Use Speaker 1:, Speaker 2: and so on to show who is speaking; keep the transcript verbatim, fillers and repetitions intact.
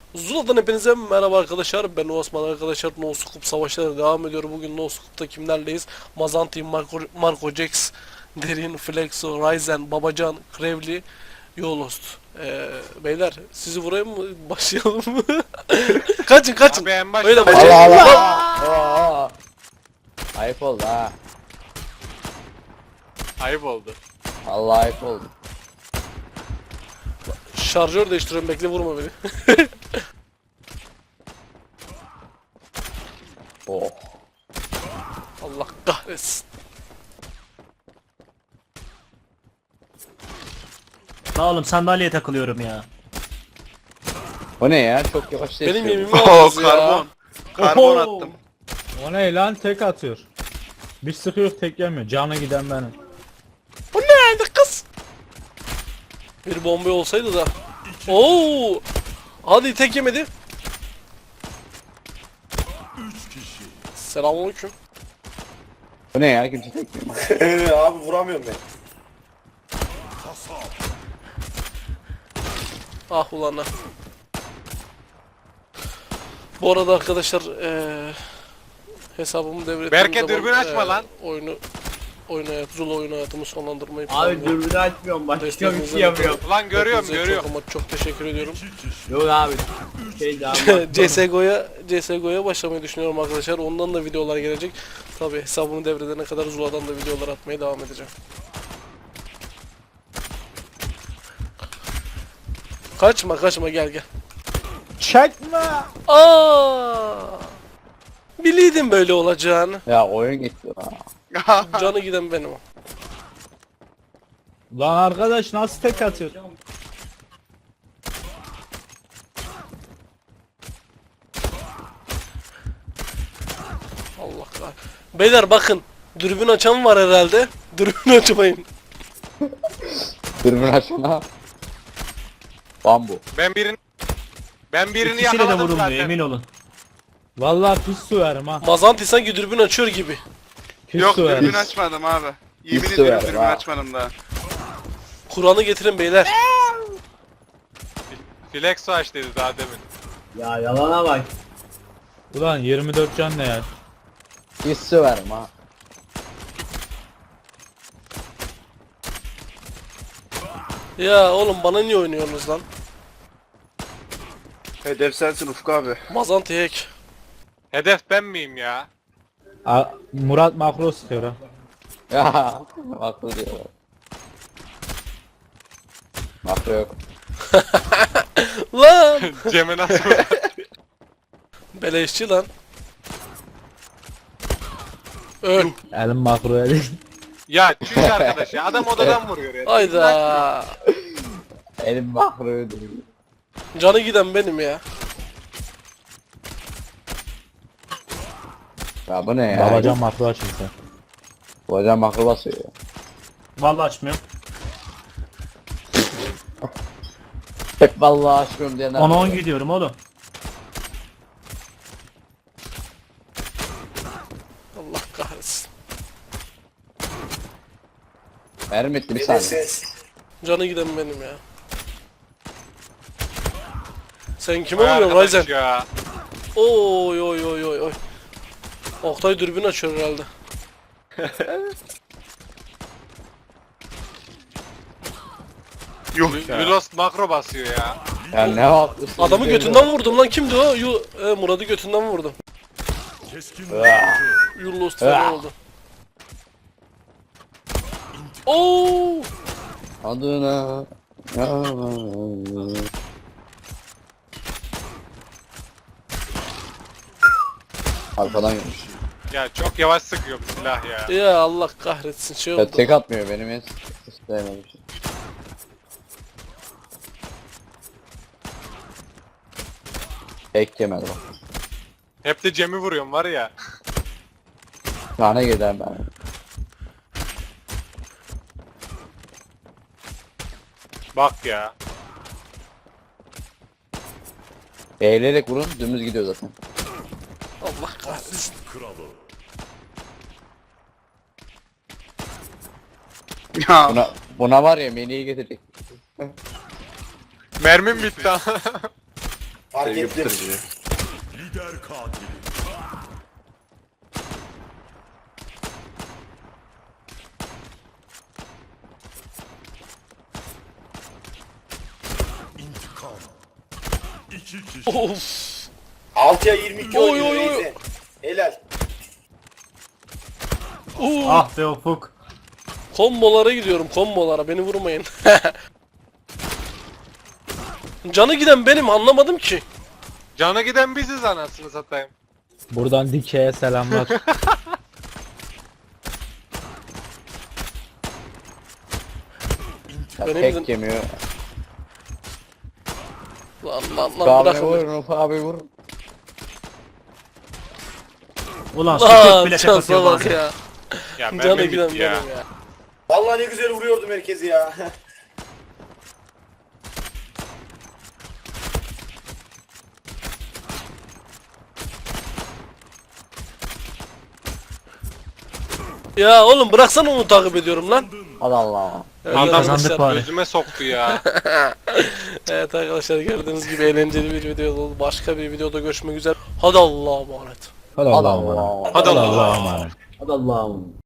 Speaker 1: Zula'dan hepinize merhaba arkadaşlar. Ben Osman arkadaşlar. No Scoop savaşları devam ediyor. Bugün No Scoop'ta kimlerleyiz? Mazanti, Marco, Marco Jax, Derin, Flexo, Ryzen, Babacan, Krevli, Yolost. Ee, beyler sizi vurayım mı? Başlayalım mı? Kaçın kaçın.
Speaker 2: Abi en başta
Speaker 1: Öyle
Speaker 2: başla.
Speaker 1: başlayalım.
Speaker 3: Allah Allah. Oo. Ayıp oldu ha.
Speaker 2: Ayıp oldu.
Speaker 3: Allah ayıp oldu.
Speaker 1: Şarjör değiştiriyorum, bekle, vurma beni.
Speaker 3: Oh.
Speaker 1: Allah kahretsin.
Speaker 4: La oğlum sandalyeye takılıyorum ya.
Speaker 3: O ne ya? Çok yavaş
Speaker 1: Benim
Speaker 3: değişiyor.
Speaker 1: yemimi aldınız ya.
Speaker 5: karbon. Karbon
Speaker 4: Oho!
Speaker 5: attım.
Speaker 6: O ne lan, tek atıyor. Bir sıkıyor tek yemiyor. Canı giden benim.
Speaker 1: Bu nerede kız? Bir bomba olsaydı da. Oo! Hadi tek yemedi. Selamünaleyküm.
Speaker 3: Bu ne ya? Kimse tekmiyor.
Speaker 5: Eee abi vuramıyorum ben.
Speaker 1: Ah ulan ah. Bu arada arkadaşlar eee hesabımı devrettiğim
Speaker 2: Berke,
Speaker 1: zaman,
Speaker 2: dürbün açma
Speaker 1: eee,
Speaker 2: lan.
Speaker 1: Oyunu oyun hayatı, Zula oyun hayatımı sonlandırmayı
Speaker 7: Abi
Speaker 1: planlıyorum.
Speaker 7: dürbünü açmıyorum, başka bir
Speaker 1: Desteğinizden
Speaker 7: şey yapıyorum.
Speaker 2: Ulan görüyorum
Speaker 1: Hepinize
Speaker 2: görüyorum.
Speaker 1: Çok ama çok teşekkür ediyorum.
Speaker 7: Yok abi. Şey daha
Speaker 1: C S G O'ya C S G O'ya başlamayı düşünüyorum arkadaşlar. Ondan da videolar gelecek. Tabi hesabını devredene kadar Zula'dan da videolar atmaya devam edeceğim. Kaçma kaçma, gel gel.
Speaker 6: Çekme.
Speaker 1: Aa! Biliydim böyle olacağını.
Speaker 3: Ya oyun gitti ha.
Speaker 1: Canı giden benim o.
Speaker 6: Lan arkadaş nasıl tek atıyor?
Speaker 1: Allah kahretsin. Beyler bakın. Dürbün açan var herhalde. Dürbün açmayın.
Speaker 3: Dürbün açana. Bambu.
Speaker 2: Ben birini ben birini
Speaker 4: İkisiyle de
Speaker 2: yakaladım
Speaker 4: vurulmuyor
Speaker 2: zaten.
Speaker 4: emin olun.
Speaker 6: Vallahi pis süverim ha.
Speaker 1: Mazanti sanki dürbün açıyor gibi.
Speaker 6: Pis
Speaker 5: Yok
Speaker 6: süverim.
Speaker 5: dürbün açmadım abi. Yemin
Speaker 3: Hiç
Speaker 5: ediyorum
Speaker 3: severim
Speaker 5: dürbün
Speaker 3: ha.
Speaker 5: açmadım daha.
Speaker 1: Kur'an'ı getirin beyler.
Speaker 2: Flexo aç dedi daha demin.
Speaker 7: Ya yalana bak.
Speaker 6: Ulan yirmi dört can ne ya?
Speaker 3: Pis söverim ha.
Speaker 1: Ya oğlum bana niye oynuyorsunuz lan?
Speaker 5: Hedef sensin Ufuk abi.
Speaker 1: Mazanti hack.
Speaker 2: Hedef ben miyim ya?
Speaker 6: A Murat makro sıkıyor ha.
Speaker 3: Ya. Haklı diyor. Haklı yok.
Speaker 1: Lan!
Speaker 2: Cem'e nasıl?
Speaker 1: Beleşçi lan. Öl.
Speaker 6: Elim makroya değil.
Speaker 2: Ya çüş arkadaş ya. Adam odadan vuruyor ya.
Speaker 1: Hayda.
Speaker 3: Elim mahruyu değil.
Speaker 1: Canı giden benim ya.
Speaker 3: Ya bu ne ya?
Speaker 6: Babacan makro açıldı.
Speaker 3: Babacan makro basıyor ya.
Speaker 4: Vallahi açmıyorum.
Speaker 3: Hep vallahi aşkım diyenler.
Speaker 4: on on gidiyorum oğlum.
Speaker 1: Allah kahretsin.
Speaker 3: Mermi bitti bir saniye.
Speaker 1: Canı giden benim ya. Sen kime
Speaker 2: Vay
Speaker 1: vuruyorsun
Speaker 2: arkadaş
Speaker 1: Ryzen?
Speaker 2: ya.
Speaker 1: Oy oy oy oy oy. Oktay dürbün açıyor herhalde.
Speaker 5: Yok
Speaker 2: Yulos makro basıyor ya.
Speaker 3: Ya ne yapıyorsun?
Speaker 1: Adamı götünden vurdum lan, kimdi o? Yu e, Murat'ı götünden vurdum. Yullos falan oldu. Oo!
Speaker 3: Adına. Arkadan gelmiş.
Speaker 2: Ya çok yavaş sıkıyor bu silah ya.
Speaker 1: Ya Allah kahretsin, şey
Speaker 3: Ya
Speaker 1: oldu.
Speaker 3: tek atmıyor benim en sevmediğim şey. Tek yemedi bak.
Speaker 2: Hep de Cem'i vuruyorum var ya.
Speaker 3: Tane gider ben.
Speaker 2: Bak ya.
Speaker 3: Eğilerek vurun dümdüz gidiyor zaten.
Speaker 1: Allah kahretsin.
Speaker 5: Ya
Speaker 3: Buna, buna var ya meniyi getirecek.
Speaker 2: Mermim bitti.
Speaker 5: Fark
Speaker 8: Sevgi
Speaker 5: ettim.
Speaker 8: pıtırcı.
Speaker 1: Of.
Speaker 5: altıya yirmi iki
Speaker 1: Oy,
Speaker 5: oynuyor
Speaker 1: oy, oy.
Speaker 5: Reize. Helal.
Speaker 1: Oo.
Speaker 4: Ah be Ufuk.
Speaker 1: Kombolara gidiyorum, kombolara, beni vurmayın. Canı giden benim, anlamadım ki.
Speaker 2: Cana giden biziz anasını satayım.
Speaker 6: Buradan Dike'ye selamlar.
Speaker 3: Ya
Speaker 1: Benim
Speaker 3: tek
Speaker 1: de-
Speaker 3: yemiyor.
Speaker 1: Lan lan
Speaker 3: Ufuk
Speaker 1: lan
Speaker 3: abi
Speaker 1: bırakın
Speaker 3: vur,
Speaker 1: beni.
Speaker 3: Ufuk abi vur.
Speaker 4: Ulan
Speaker 1: Lan
Speaker 4: sükut bile tek
Speaker 1: şansa
Speaker 4: atıyor
Speaker 1: bak
Speaker 4: bazen.
Speaker 1: ya.
Speaker 2: Ya
Speaker 1: Canı
Speaker 2: mermi
Speaker 1: giden
Speaker 2: bitti ya.
Speaker 1: benim ya.
Speaker 5: Vallahi ne güzel vuruyordum herkesi ya.
Speaker 1: Ya oğlum bıraksana, onu takip ediyorum lan.
Speaker 3: Allah Allah.
Speaker 1: Evet,
Speaker 2: Adam
Speaker 4: kazandık
Speaker 1: arkadaşlar,
Speaker 4: bari.
Speaker 2: Gözüme soktu ya.
Speaker 1: evet arkadaşlar, gördüğünüz gibi eğlenceli bir video oldu. Başka bir videoda görüşmek üzere. Hadi Allah'a emanet.
Speaker 6: Hadi
Speaker 3: Allah
Speaker 6: Allah'a emanet.
Speaker 3: Allah.
Speaker 2: Hadi
Speaker 6: Hadi
Speaker 2: Allah.
Speaker 6: Allah'a emanet.
Speaker 7: Hadi Allah'ım.